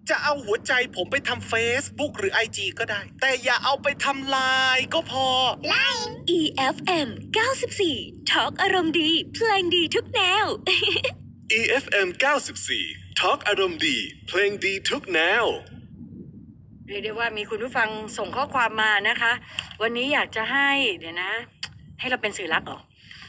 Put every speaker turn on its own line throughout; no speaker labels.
จะเอาหัวใจผมไปทำ Facebook หรือ IG ก็ได้ แต่อย่าเอาไปทำไลน์ก็พอ
EFM 94 Talk อารมณ์ดีเพลงดีทุกแนว
EFM 94 Talk อารมณ์ดีเพลงดีทุกแนว
เรียกได้ว่ามีคุณผู้ฟังส่งข้อความมานะคะ วันนี้อยากจะให้เดี๋ยวนะ ให้เราเป็นสื่อรักเหรอ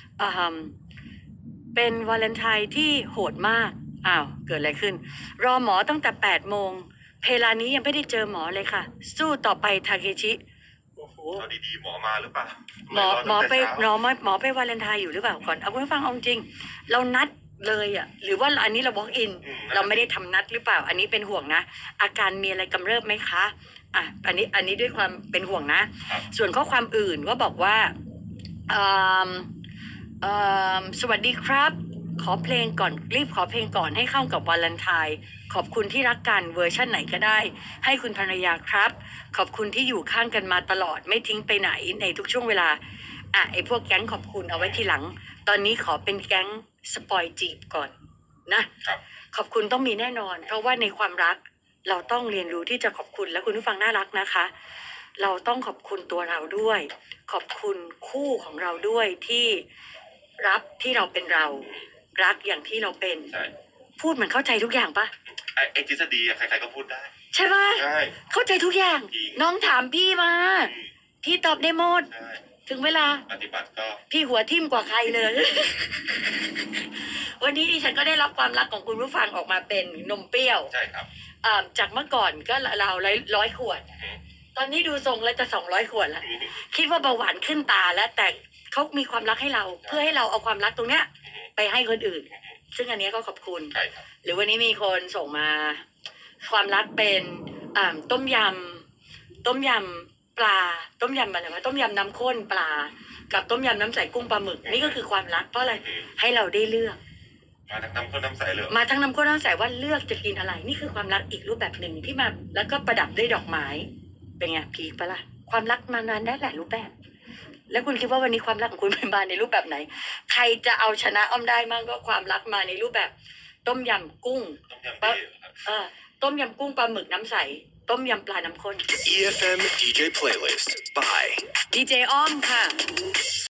เป็นวาเลนไทน์ที่โหดมากเกิดอะไรขึ้นรอหมอตั้งแต่8 โมงเพลานี้ยังไม่ได้เจอหมอเลยค่ะสู้ต่อไปทาเคชิโอ้โห
ดีๆหมอมาหรือเปล่า
หมอไปวาเลนไทน์อยู่หรือเปล่าก่อนเอาคุณผู้ฟังเอาจริงเรานัดเลยหรือว่าอันนี้เรา walk in เราไม่ได้ทำนัดหรือเปล่าอันนี้เป็นห่วงนะอาการมีอะไรกำเริบไหมคะอันนี้ด้วยความเป็นห่วงนะส่วนข้อความอื่นก็บอกว่าสวัสดีครับขอเพลงก่อนรีบขอเพลงก่อนให้เข้ากับวาเลนไทน์ขอบคุณที่รักกันเวอร์ชั่นไหนก็ได้ให้คุณภรรยาครับขอบคุณที่อยู่ข้างกันมาตลอดไม่ทิ้งไปไหนในทุกช่วงเวลาไอ้พวกแก๊งขอบคุณเอาไว้ทีหลังตอนนี้ขอเป็นแก๊งสปอยจีบก่อนนะขอบคุณต้องมีแน่นอนเพราะว่าในความรักเราต้องเรียนรู้ที่จะขอบคุณและคุณผู้ฟังน่ารักนะคะเราต้องขอบคุณตัวเราด้วยขอบคุณคู่ของเราด้วยที่รับที่เราเป็นเรารักอย่างที่เราเป็นพูดเหมือนเข้าใจทุกอย่างปะ
ไอ้ทฤษฎีใครๆก็พูดได้
ใช่ปะเข้าใจทุกอย่างน้องถามพี่มาพี่ตอบได้หมดถึงเวลา
ปฏิบัติก็
พี่หัวทิ่มกว่าใครเลย วันนี้ดิฉันก็ได้รับความรักของคุณผู้ฟังออกมาเป็นนมเปรี้ยว
ใช่ครับ
จากเมื่อก่อนก็เรา100 ขวดตอนนี้ดูทรงแล้วจะ200 ขวดแล้วคิดว่าเบาหวานขึ้นตาแล้วแต่เขามีความรักให้เราเพื่อให้เราเอาความรักตรงเนี้ยไปให้คนอื่นซึ่งอันนี้ก็ขอบคุณหรือวันนี้มีคนส่งมาความรักเป็นต้มยำปลาต้มยำอะไรวะต้มยำน้ำข้นปลากับต้มยำน้ำใสกุ้งปลาหมึกนี่ก็คือความรักเพราะอะไรให้เราได้เลือก
มาทั้งน้ำข้นน้ำใสเลย
มาทั้งน้ำข้นน้ำใสว่าเลือกจะกินอะไรนี่คือความรักอีกรูปแบบหนึ่งที่มาแล้วก็ประดับด้วยดอกไม้เป็นไงพีคปะล่ะความรักมานานได้หลายรูปแบบแล้วคุณคิดว่าวันนี้ความรักของคุณเป็นมาในรูปแบบไหนใครจะเอาชนะอ้อมได้มั่งก็ความรักมาในรูปแบบต้มยำกุ้งต้มยำกุ้งปลาหมึกน้ำใสต้มยำปลาน้ำข้น
EFM DJ Playlist by
DJ อ้อมค่ะ